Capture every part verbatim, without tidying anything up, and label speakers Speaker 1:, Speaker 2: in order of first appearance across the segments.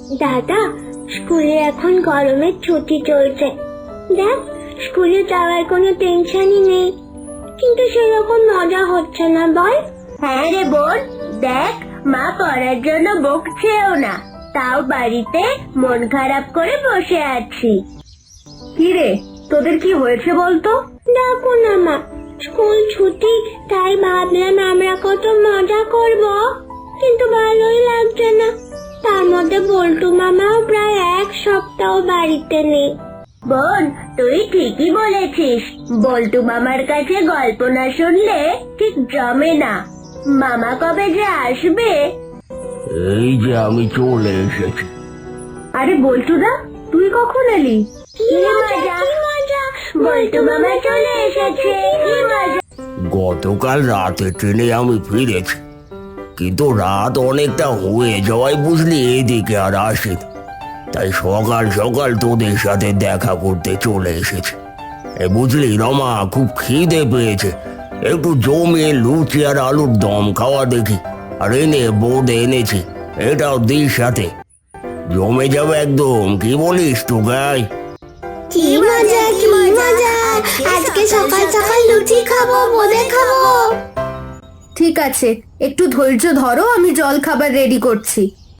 Speaker 1: দাদা, স্কুলে এখন গরমের ছুটি চলছে। দেখ, স্কুলে যাওয়ার কোনো টেনশনই নেই, কিন্তু সেরকম মজা হচ্ছে না, বল?
Speaker 2: হ্যাঁ রে বোন, দেখ মা পড়ার জন্য বকছেও না, তাও বাড়িতে মন খারাপ করে বসে আছি।
Speaker 3: কি রে, তোদের কি হয়েছে বলতো?
Speaker 1: দেখো না মা, স্কুল ছুটি, তাই ভাবলাম আমরা কত মজা করব, কিন্তু ভালোই লাগছে না। তার মধ্যে বল্টু মামাও প্রায় এক সপ্তাহ বাড়িতে নেই।
Speaker 2: বোন, তুই ঠিকই বলেছিস, বল্টু মামার কাছে গল্প না শুনলে ঠিক জমে না। মামা কবে যে আসবে?
Speaker 4: এই যে আমি চলে এসেছি।
Speaker 3: আরে বল্টুদা, তুই কখন এলি?
Speaker 1: কি মজা, কি মজা,
Speaker 2: বল্টু মামা চলে এসেছে, কি মজা।
Speaker 4: গতকাল রাতে ট্রেনে আমি ফিরেছি, কিন্তু রাত অনেকটা হয়ে যাওয়ায় বুঝলি এদিকে আর আসেনি। তাই সকাল সকাল তোদের সাথে দেখা করতে চলে এসেছি। এ বুঝলি রমা, খুব খিদে পেয়েছে, একটু জমিয়ে লুচি আর আলুর দম খাওয়া দেখি। আর এনে বোর্ডে এনেছি, এটাও দিস সাথে, জমে যাবে একদম। কি বলিস তো গাই?
Speaker 1: কি মজা, কি মজা, আজকে সকাল সকাল লুচি খাবো, বোঁদে খাবো।
Speaker 3: ঠিক আছে, একটু ধৈর্য ধরো, আমি জল খাবার রেডি করছি।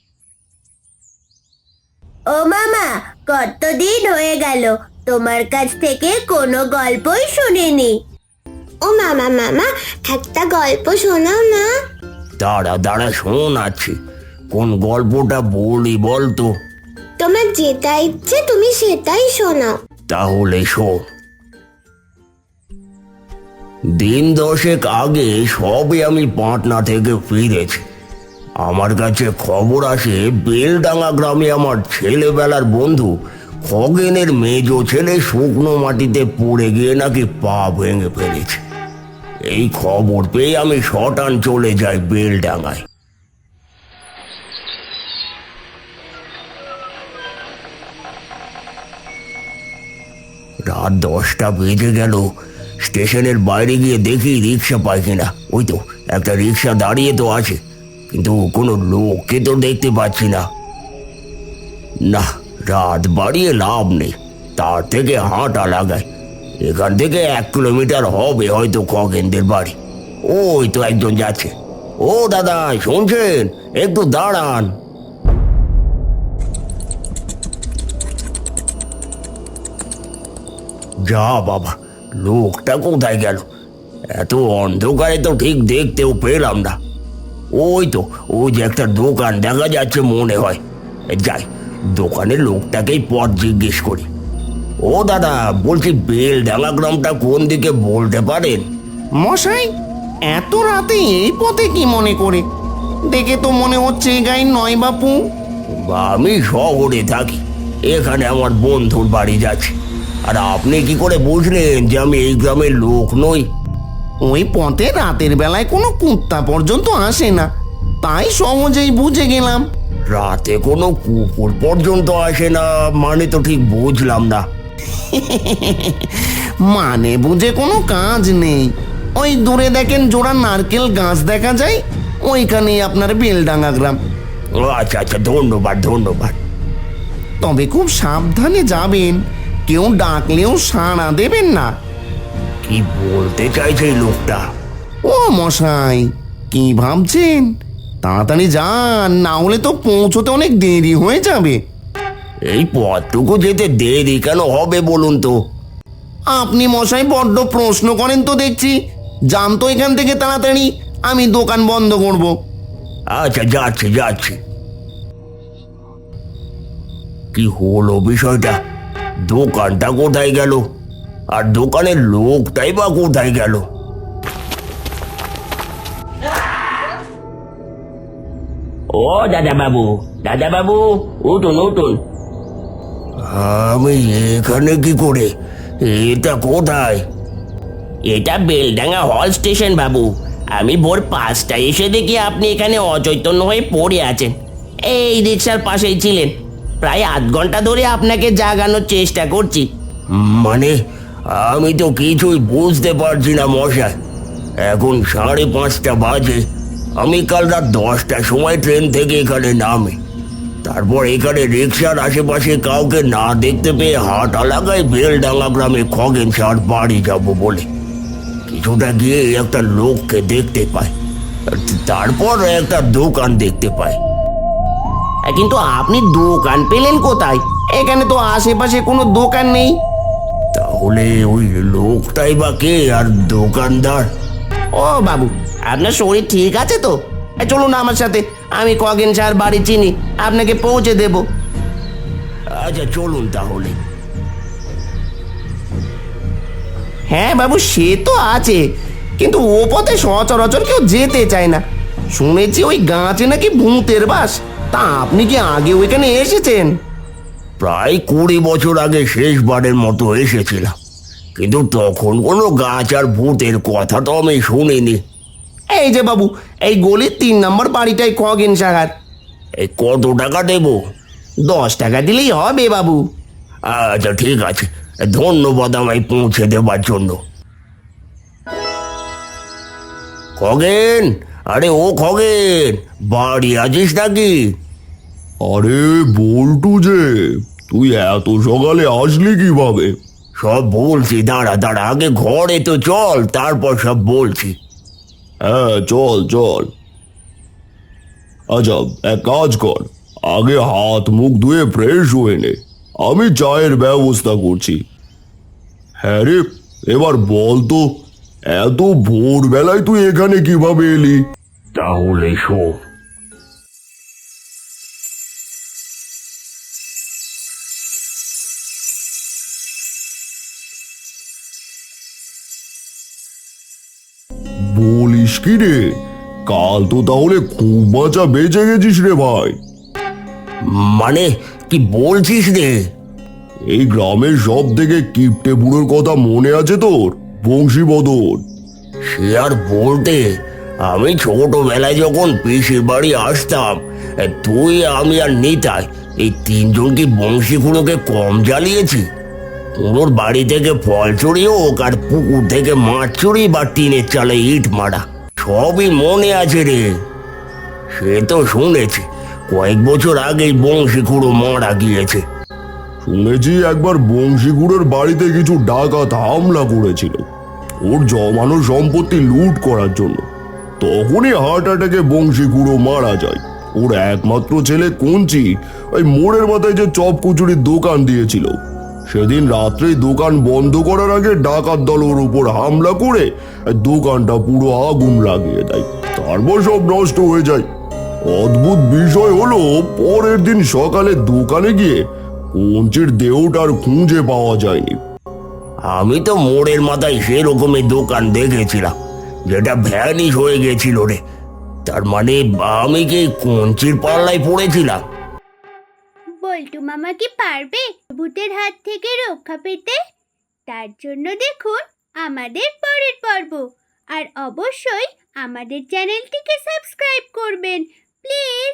Speaker 2: ও মামা, কতদিন হয়ে গেল তোমার কাছ থেকে কোনো গল্পই শুনিনি।
Speaker 1: ও মামা, মামা একটা গল্প শোনাও না।
Speaker 4: দাঁড়া দাঁড়া শোনাচ্ছি, কোন গল্পটা বলি বলতো?
Speaker 1: তোমার যেটা ইচ্ছে তুমি সেটাই শোনাও।
Speaker 4: তাহলে শোন। দিন দশেক আগে সবে আমি পাটনা থেকে ফিরেছি। আমার কাছে খবর আসে বেলডাঙ্গা গ্রামে আমার ছেলেবেলার বন্ধু খগেনের মেজ ছেলে শুকনো মাটিতে পড়ে গিয়ে নাকি পা ভেঙে ফেলেছে। এই খবর পেয়ে আমি শটান চলে যাই বেলডাঙ্গায়। রাত দশটা বেজে গেল। স্টেশনের বাইরে গিয়ে দেখি রিক্সা পাই কিনা। ওই তো একটা রিক্সা দাঁড়িয়ে তো আছে, কিন্তু কোনো লোককে তো দেখতে পাচ্ছি না। না, রাত বাড়িয়ে লাভ নেই, তার থেকে হাঁটা লাগায়। এখান থেকে এক কিলোমিটার হবে হয়তো খগেনদের বাড়ি। ওই তো একজন যাচ্ছে। ও দাদা, শুনছেন? একটু দাঁড়ান। যা বাবা, লোকটা কোথায় গেল? এত অন্ধকারে তো ঠিক দেখতেও পেলাম না। ওই তো, ওই যে একটা দোকান দেখা যাচ্ছে মনে হয়। যাই, দোকানের লোকটাকেই পথ জিজ্ঞেস করি। ও দাদা, বলছি বেলডাঙ্গা গ্রামটা কোন দিকে বলতে পারেন?
Speaker 5: মশাই, এত রাতে এই পথে কি মনে করে? দেখে তো মনে হচ্ছে এই গাই নয় বাপু।
Speaker 4: আমি শহরে থাকি, এখানে আমার বন্ধুর বাড়ি যাচ্ছে। আর আপনি কি করে বুঝলেন যে আমি এই গ্রামের লোক নই?
Speaker 5: ওই পথে রাতের বেলায় কোনো কুত্তা পর্যন্ত আসে না, তাই সহজেই বুঝে গেলাম।
Speaker 4: রাতে কোনো কুকুর পর্যন্ত আসে না মানে তো ঠিক বুঝলাম না।
Speaker 5: মানে বুঝে কোনো কাজ নেই। ওই দূরে দেখেন জোড়া নারকেল গাছ দেখা যায়, ওইখানেই আপনার বেলডাঙ্গা গ্রাম।
Speaker 4: ও আচ্ছা আচ্ছা, ধন্যবাদ ধন্যবাদ।
Speaker 5: তবে খুব সাবধানে যাবেন, কেউ ডাকলেও সাড়া দেবেন না।
Speaker 4: কি বলতে চাইছে এই লোকটা?
Speaker 5: ও মশাই, কি ভাবছেন? তাড়াতাড়ি যান, না হলে তো পৌঁছতে অনেক দেরি হয়ে যাবে।
Speaker 4: এই পথটুকু যেতে দেরি কেন হবে বলুন তো?
Speaker 5: আপনি মশাই বড্ড প্রশ্ন করেন তো দেখছি। যান তো এখান থেকে তাড়াতাড়ি, আমি দোকান বন্ধ করব।
Speaker 4: আচ্ছা, যাচ্ছি যাচ্ছি। কি হলো বিষয়টা? দোকানটা কোথায় গেল, আর দোকানের লোকটাই বা কোথায় গেল? ও দাদা বাবু, দাদা বাবু, উঠুন উঠুন। আমি এখানে কি করে? এটা কোথায়?
Speaker 6: এটা বেলডাঙ্গা হল স্টেশন বাবু। আমি ভোর পাঁচটায় এসে দেখি আপনি এখানে অচৈতন্য হয়ে পড়ে আছেন। এই রিক্সার পাশেই ছিলেন। প্রায় আধ ঘন্টা ধরে আপনাকে জাগানোর চেষ্টা করছি।
Speaker 4: মানে আমি তো কিছুই বুঝতে পারছি না মশাই। এখন সাড়ে পাঁচটা বাজে। আমি কাল রাত দশটার সময় ট্রেন থেকে এখানে নামি। তারপর এখানে রিক্সার আশেপাশে কাউকে না দেখতে পেয়ে হাট এলাকায় বেলডাঙ্গা গ্রামে খগেন স্যার বাড়ি যাব বলে কিছুটা গিয়ে একটা লোককে দেখতে পাই। তারপর একটা দোকান দেখতে পাই।
Speaker 6: কিন্তু আপনি দোকান পেলেন কোথায়? এখানে তো আশেপাশে কোনো দোকান নেই।
Speaker 4: তাহলে ওই লোকটাই বা কে আর দোকানদার?
Speaker 6: ও বাবু, আপনার শরীর ঠিক আছে তো? এ, চলুন আমার সাথে, আমি খগেন স্যার বাড়ি চিনি, আপনাকে পৌঁছে দেব।
Speaker 4: আচ্ছা চলুন তাহলে।
Speaker 6: হ্যাঁ বাবু, সে তো আছে, কিন্তু ও পথে সচরাচর কেউ যেতে চায় না। শুনেছি ওই গাছে নাকি ভূতের বাস। তা আপনি কি আগে ওইখানে এসেছেন?
Speaker 4: প্রায় কুড়ি বছর আগে শেষবারের মতো এসেছিলাম, কিন্তু তখন কোনো গাছ আর ভূতের কথা তো আমি শুনিনি।
Speaker 6: এই যে বাবু, এই গলির তিন নম্বর বাড়িটাই খগেন স্যার।
Speaker 4: এই কত টাকা দেব?
Speaker 6: দশ টাকা দিলেই হবে বাবু।
Speaker 4: আচ্ছা ঠিক আছে, ধন্যবাদ আমায় পৌঁছে দেবার জন্য। খগেন, আরে ও খগেন, বাড়ি আছিস নাকি?
Speaker 7: আরে বল্টু যে, তুই এত সকালে আসলি কিভাবে?
Speaker 4: সব বলছি, দাঁড়া দাঁড়া, আগে ঘরে তো চল, তারপর সব বলছি।
Speaker 7: হ্যাঁ চল চল। আচ্ছা এক কাজ কর, আগে হাত মুখ ধুয়ে ফ্রেশ হয়ে নে, আমি চায়ের ব্যবস্থা করছি। হ্যাঁ রে, এবার বল তো, এত ভোরবেলায় তুই এখানে কিভাবে এলি?
Speaker 4: তাহলে শোন।
Speaker 7: বলিস কি রে, কাল তো তাহলে খুব বাঁচা বেঁচে গেছিস রে ভাই।
Speaker 4: মানে কি বলছিস রে?
Speaker 7: এই গ্রামের সব থেকে কিপটে বুড়োর কথা মনে আছে তোর? বংশীবদন।
Speaker 4: সে আর বলতে, আমি ছোটবেলায় যখন পিসির বাড়ি আসতাম, তুই আমি আর নিতাই এই তিনজন কি বংশী খুঁড়োকে কম জ্বালিয়েছি? কুঁড়োর বাড়ি থেকে ফল চুরি হোক আর পুকুর থেকে মাছ চুরি বা টিনের চালে ইট মারা, সবই মনে আছে রে। সে তো শুনেছি কয়েক বছর আগেই বংশী খুঁড়ো মারা গিয়েছে।
Speaker 7: শুনেছি একবার বংশীগুড়ের বাড়িতে কিছু ডাকাত হামলা করেছিল ওর জমানো সম্পত্তি লুট করার জন্য। তখনই হার্ট অ্যাটাকে বংশীগুড়ো মারা যায়। ওর একমাত্র ছেলে কঞ্চি ওই মোড়ের মাথায় যে চপ কচুরির দোকান দিয়েছিল, সেদিন রাত্রেই দোকান বন্ধ করার আগে ডাকাত দল ওর উপর হামলা করে দোকানটা পুরো আগুন লাগিয়ে দেয়। তারপর সব নষ্ট হয়ে যায়। অদ্ভুত বিষয় হলো, পরের দিন সকালে দোকানে গিয়ে কঞ্চির দেহটা আর খুঁজে পাওয়া যায়নি।
Speaker 4: আমি তো মোড়ের মাথায় সেরকমই দোকান দেখেছিলাম, যেটা ভ্যানিশ হয়ে গেছিল রে। তার মানে আমি কি কঞ্চির পাল্লায় পড়েছিলাম?
Speaker 1: বল্টু মামা কি পারবে ভূতের হাত থেকে রক্ষা পেতে? তার জন্য দেখুন আমাদের পরের পর্ব, আর অবশ্যই আমাদের চ্যানেলটিকে সাবস্ক্রাইব করবেন প্লিজ।